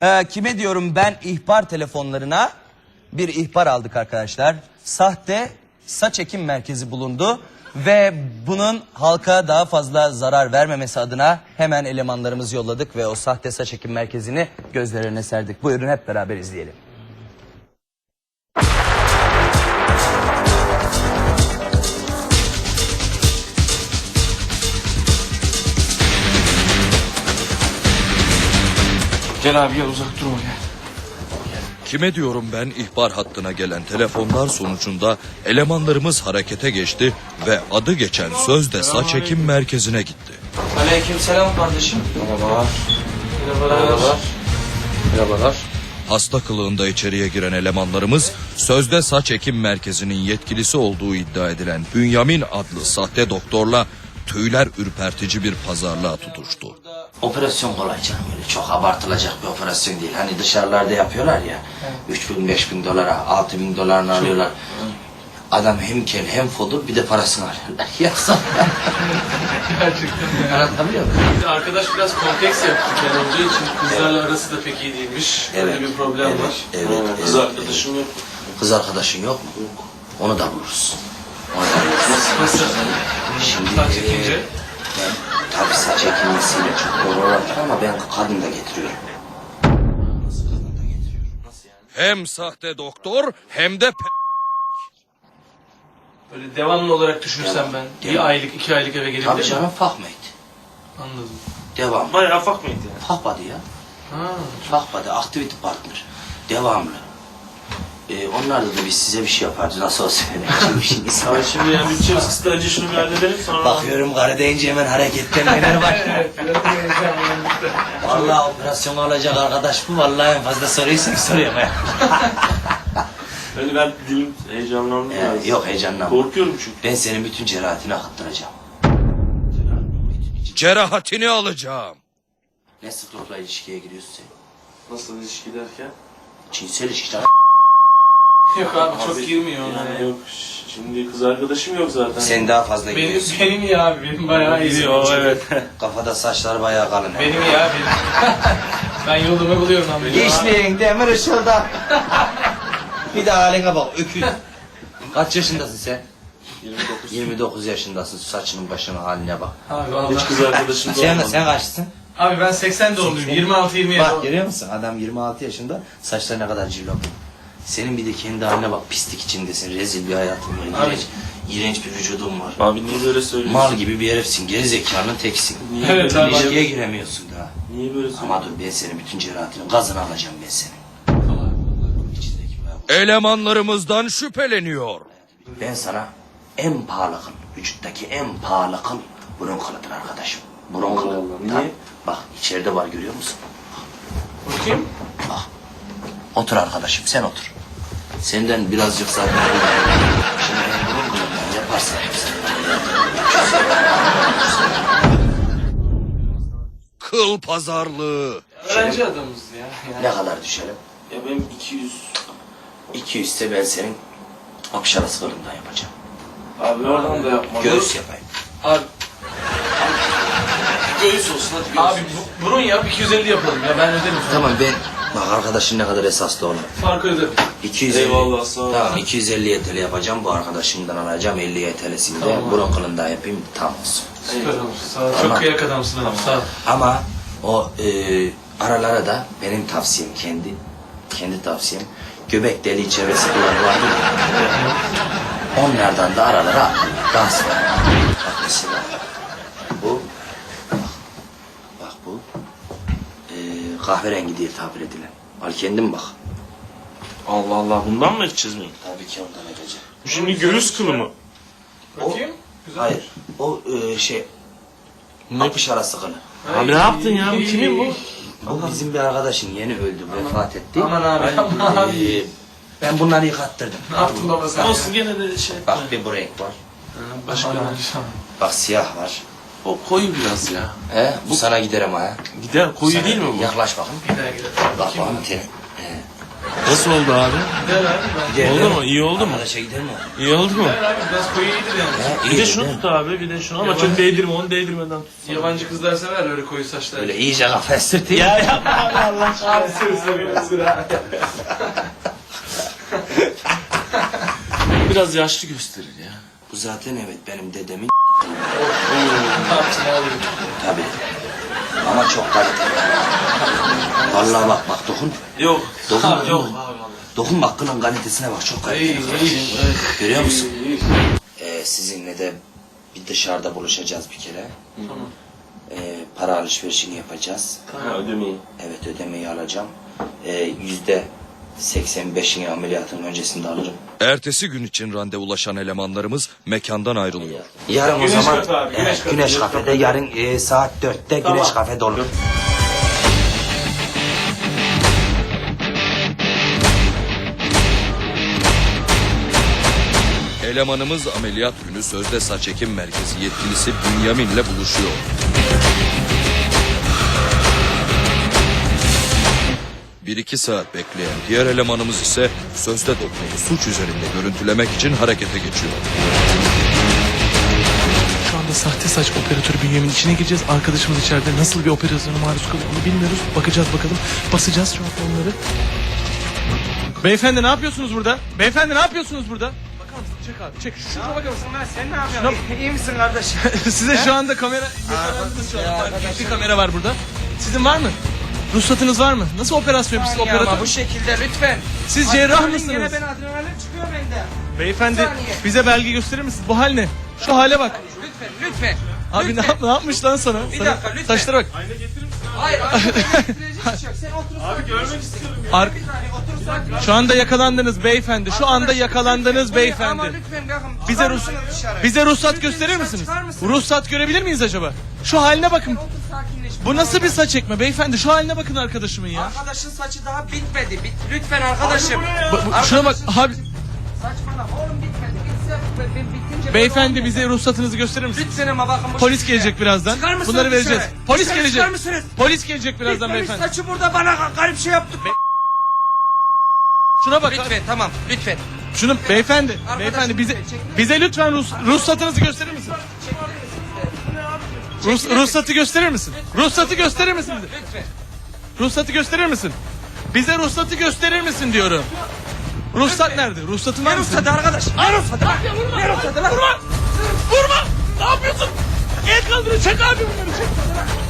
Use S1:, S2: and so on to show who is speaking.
S1: Kime diyorum ben ihbar telefonlarına bir ihbar aldık arkadaşlar. Sahte saç ekim merkezi bulundu ve bunun halka daha fazla zarar vermemesi adına hemen elemanlarımızı yolladık ve o sahte saç ekim merkezini gözlerine serdik. Buyurun hep beraber izleyelim.
S2: Gel abi gel, uzak durma gel.
S3: Kime diyorum ben ihbar hattına gelen telefonlar sonucunda elemanlarımız harekete geçti ve adı geçen sözde saç ekim merkezine gitti.
S2: Aleykümselam kardeşim. Merhabalar. Merhabalar. Merhabalar.
S3: Hasta kılığında içeriye giren elemanlarımız sözde saç ekim merkezinin yetkilisi olduğu iddia edilen Bünyamin adlı sahte doktorla tüyler ürpertici bir pazarlığa tutuştu.
S4: Operasyon kolay canım, öyle çok abartılacak bir operasyon değil. Hani dışarılarda yapıyorlar ya, 3.000-5.000 dolara, 6.000 dolarını alıyorlar. Adam hem kel hem fodur, bir de parasını alıyorlar. Yoksa
S2: Gerçekten.
S4: anlatabiliyor muyum?
S2: Arkadaş biraz kompleks yaptı kel olduğu için kızlarla arası da pek iyi değilmiş. Öyle bir problem var.
S4: Evet,
S2: Kız arkadaşım yok.
S4: Kız arkadaşın yok mu? Yok. Onu da buluruz. Onu da buluruz.
S2: Nasıl?
S4: Şimdi
S2: Saç çekince?
S4: ben tabii saç ekilmesiyle çok doğru olabilir ama ben kadın da getiriyorum. Nasıl kadın da getiriyorum?
S2: Nasıl yani?
S3: Hem sahte doktor hem de
S2: Böyle devamlı olarak düşünürsem ben bir aylık, 2 aylık eve
S4: Tabii
S2: gelebilir miyim?
S4: canım, fahmeydi.
S2: Anladım.
S4: Devam.
S2: Bayağı ufak mıydı yani?
S4: Fahbadı ya.
S2: Ha.
S4: Fahbadı, activity partner. Devamlı. Onlarla da biz size bir şey yaparız. Nasıl olsa öyle bir şeyiniz var.
S2: Abi şimdi yani bütçemiz kısıtlı, önce şunu bir halledelim sonra...
S4: Bakıyorum karı deyince hemen hareketlenmeler var. Vallahi operasyon alacak arkadaş bu. Vallahi en fazla soruyu sen soruyorum.
S5: Öyle ben dilim heyecanlandım biraz.
S4: Yok, heyecanlanma.
S5: Korkuyorum çünkü.
S4: Ben senin bütün cerahatini akıttıracağım.
S3: cerahatini alacağım.
S4: Ne sıklıkla ilişkiye giriyorsun sen?
S5: Nasıl ilişki derken?
S4: Cinsel ilişki.
S2: Yok abi çok girmiyor ona
S5: Yani
S2: ya.
S5: yok. Şimdi kız arkadaşım yok zaten.
S4: Sen daha fazla
S2: Benim,
S4: giriyorsun.
S2: benim iyi abi, benim bayağı iyi. O evet.
S4: Kafada saçlar bayağı kalın.
S2: Benim iyi abi. Ben yolumu buluyorum abi.
S4: Geçmeyin demir ışılda. Bir de haline bak, öküz. Kaç yaşındasın sen?
S5: 29.
S4: 29 yaşındasın, saçının başının haline bak.
S2: Abi
S5: Hiç
S2: vallahi.
S5: kız arkadaşım da
S4: Sen,
S5: olmadı.
S4: sen kaçsın?
S2: Abi ben 80 doğumluyum. 26-27.
S4: Bak görüyor musun? Adam 26 yaşında, saçları ne kadar cillop. Senin bir de kendi haline bak, pislik içindesin, rezil bir hayatın var.
S2: Abi.
S4: İğrenç bir vücudun var.
S5: Abi niye böyle söylüyorsun?
S4: Mal gibi bir herifsin, geri zekanın teksin.
S5: Niye,
S2: Evet
S5: böyle,
S2: abi.
S4: İlişkiye giremiyorsun daha.
S5: niye böyle söylüyorsun?
S4: Ama dur, ben senin bütün cerahatini, gazını alacağım ben senin. İçindeki bu.
S3: Elemanlarımızdan şüpheleniyor.
S4: Ben sana en pahalı kıl, vücuttaki en pahalı kıl burun kılıdır arkadaşım. Burun
S5: Allah
S4: kılı.
S5: Allah, niye?
S4: Tabii. Bak içeride var, görüyor musun?
S2: Bakayım.
S4: Bak. Otur arkadaşım, sen otur. Senden birazcık zaten... Şimdi ben burun kılından yaparsam...
S3: Kıl pazarlığı.
S2: Öğrenci adamız ya. Yani.
S4: Ne kadar düşelim?
S5: Ya benim 200.
S4: 200 ise ben senin apşarası kılından yapacağım.
S5: Abi oradan da yapma.
S4: Göğüs yapayım.
S2: Abi,
S5: Göğüs olsun hadi göğüs.
S2: abi burun yap 250 yapalım ya, ben öderim sana.
S4: Tamam, ben... Bak arkadaşın ne kadar esaslı olan.
S2: Farkı öderim.
S4: 250.
S5: Eyvallah, sağ ol.
S4: Tamam, 250 TL yapacağım, bu arkadaşımdan alacağım 50 TL'sini de
S2: Tamam.
S4: burun kılından yapayım, tam olsun.
S2: Süper olur. Sağ ol.
S4: Tamam.
S2: Çok kıyak adamsın abi. Sağ ol.
S4: Ama o aralara da benim tavsiyem, kendi tavsiyem, göbek deliği çevresi falan vardı ya. Onlardan da aralara atma. Dans var. Bak mesela bu, bak bu kahverengi diye tabir edilen. Al kendin bak.
S5: Allah Allah, bundan mı edeceğiz mi?
S4: Tabii ki ondan edeceğim.
S5: Bu şimdi göğüs kılı mı?
S2: Bakayım. Güzel.
S4: Hayır, o şey, apış arası kılı.
S5: Abi ne yaptın ya? Bu kimin bu?
S4: Bu bizim bir arkadaşın, yeni öldü, vefat etti.
S2: Aman abi, aman abi.
S4: Ben bunları yıkattırdım.
S2: Ne yaptın baba sen?
S5: Olsun, gene de şey.
S4: Bak bir bu renk var.
S5: Başka
S2: Aman
S5: ne?
S2: abi.
S4: Bak siyah var.
S5: O koyu biraz ya.
S4: Bu sana gider ama ha.
S5: Gider, koyu
S4: Sana-
S5: değil mi bu?
S4: Yaklaş bakın.
S2: Bir daha gidelim.
S4: Bak bakın teni.
S5: Nasıl oldu abi?
S4: Gidelim.
S5: Oldu mu? İyi oldu mu?
S4: Arkadaşa gidelim mi?
S5: İyi oldu mu?
S2: Abi biraz koyu iyidir yani.
S4: He,
S5: Bir de
S4: iyi
S5: şunu
S4: değil mi?
S5: tut abi, bir de şunu ama çok değdirme, onu değdirmeden tut.
S2: Yabancı kızlar sever öyle koyu saçlar.
S4: Böyle iyice kafa sırtayım.
S5: Ya yapma abi Allah aşkına. Biraz yaşlı gösterir ya.
S4: Bu zaten evet benim dedemin
S2: Ne yapsın abi?
S4: tabii. Ama çok kaliteli. Vallahi bak dokun.
S5: Yok.
S4: Dokun.
S5: Abi, yok
S4: dokun.
S5: abi vallahi.
S4: Dokun bak kılın kalitesine bak çok
S2: İyi,
S4: kaliteli.
S2: iyi.
S4: Görüyor musun?
S2: İyi.
S4: Sizinle de bir dışarıda buluşacağız bir kere. Para alışverişini yapacağız.
S5: Ha, ödemeyi.
S4: Evet ödemeyi alacağım. %85'ini ameliyatın öncesinde alırım.
S3: Ertesi gün için randevulaşan elemanlarımız mekandan ayrılıyor.
S4: Yarın
S2: Güneş
S4: o zaman
S2: Kafe abi, Güneş Kafe.
S4: Güneş Kafe'de yarın saat 4'te Güneş Kafe'de olur.
S3: Elemanımız ameliyat günü sözde saç ekim merkezi yetkilisi Bünyamin'le buluşuyor. Bir iki saat bekleyen diğer elemanımız ise sözde doktoru suç üzerinde görüntülemek için harekete geçiyor.
S6: Şu anda sahte saç operatörü Bünyamin'in içine gireceğiz. Arkadaşımız içeride nasıl bir operasyona maruz kalıyor onu bilmiyoruz. Bakacağız bakalım. Basacağız şu anda onları. Beyefendi ne yapıyorsunuz burada? Beyefendi ne yapıyorsunuz burada? Bakar mısın? Çek abi çek. Şuna bakar mısın?
S1: Sen ne yapıyorsun? İyi misin kardeş?
S6: Size şu anda kamera... Yakalandınız şu anda. Bir kamera var burada. Sizin var mı? Ruhsatınız var mı? Nasıl operasyon yapıyorsunuz operatör?
S1: Ama bu şekilde lütfen.
S6: Siz cerrah
S1: Adrenalin,
S6: mısınız?
S1: Yine ben adrenalin çıkıyor bende.
S6: Beyefendi
S1: Bir saniye.
S6: bize belge gösterir misiniz? Bu hal ne? Şu hale bak.
S1: Lütfen.
S6: Abi ne yapmış lan sana?
S1: Bir
S6: Sana-
S1: dakika, lütfen.
S6: Saçlara bak.
S1: Hayır, sen otur. Abi görmek istiyorum ya.
S6: Ar-
S1: Bir saniye otur sakin.
S6: Şu anda yakalandınız beyefendi. Şu anda yakalandınız
S1: Ama
S6: beyefendi.
S1: lütfen bakın.
S6: Bize
S1: çıkar
S6: ruhsat
S1: mısınız dışarı?
S6: bize ruhsat
S1: Lütfen
S6: gösterir
S1: dışarı
S6: misiniz?
S1: çıkar mısınız?
S6: Ruhsat görebilir miyiz acaba? Şu haline bakın.
S1: Otur sakinleş.
S6: Bu nasıl bir saç ekme beyefendi? Şu haline bakın arkadaşımın ya.
S1: Arkadaşın saçı daha bitmedi. Lütfen arkadaşım.
S6: Şuna bak abi.
S1: Saçmalama oğlum bitmedi. Bitse ben bitince...
S6: Beyefendi bize ruhsatınızı gösterir misiniz?
S1: Lütfen ama bakın bu
S6: Polis
S1: şekilde.
S6: gelecek birazdan.
S1: Çıkar mısınız
S6: Bunları vereceğiz.
S1: dışarı?
S6: Polis
S1: Dışarı
S6: gelecek.
S1: çıkar mısınız?
S6: Polis gelecek birazdan
S1: Bitmemiş
S6: beyefendi.
S1: saçı burada bana garip şey yaptı.
S6: Şuna bak.
S1: Lütfen tamam lütfen.
S6: Şunu beyefendi.
S1: Arkadaşım,
S6: Beyefendi bize
S1: çekilir misiniz?
S6: bize lütfen ruhsatınızı gösterir misiniz? Ruhsatı gösterir misin? Ruhsatı gösterir misin?
S1: Lütfen.
S6: Ruhsatı gösterir misin? Bize ruhsatı gösterir misin diyorum. Ruhsat nerede? Ruhsatın var
S1: Ne
S6: mı?
S1: ruhsadı arkadaş? Ne ruhsadı lan? Ne ruhsadı lan?
S6: Vurma! Ne yapıyorsun? El kaldırın. Çek abi bunları çek.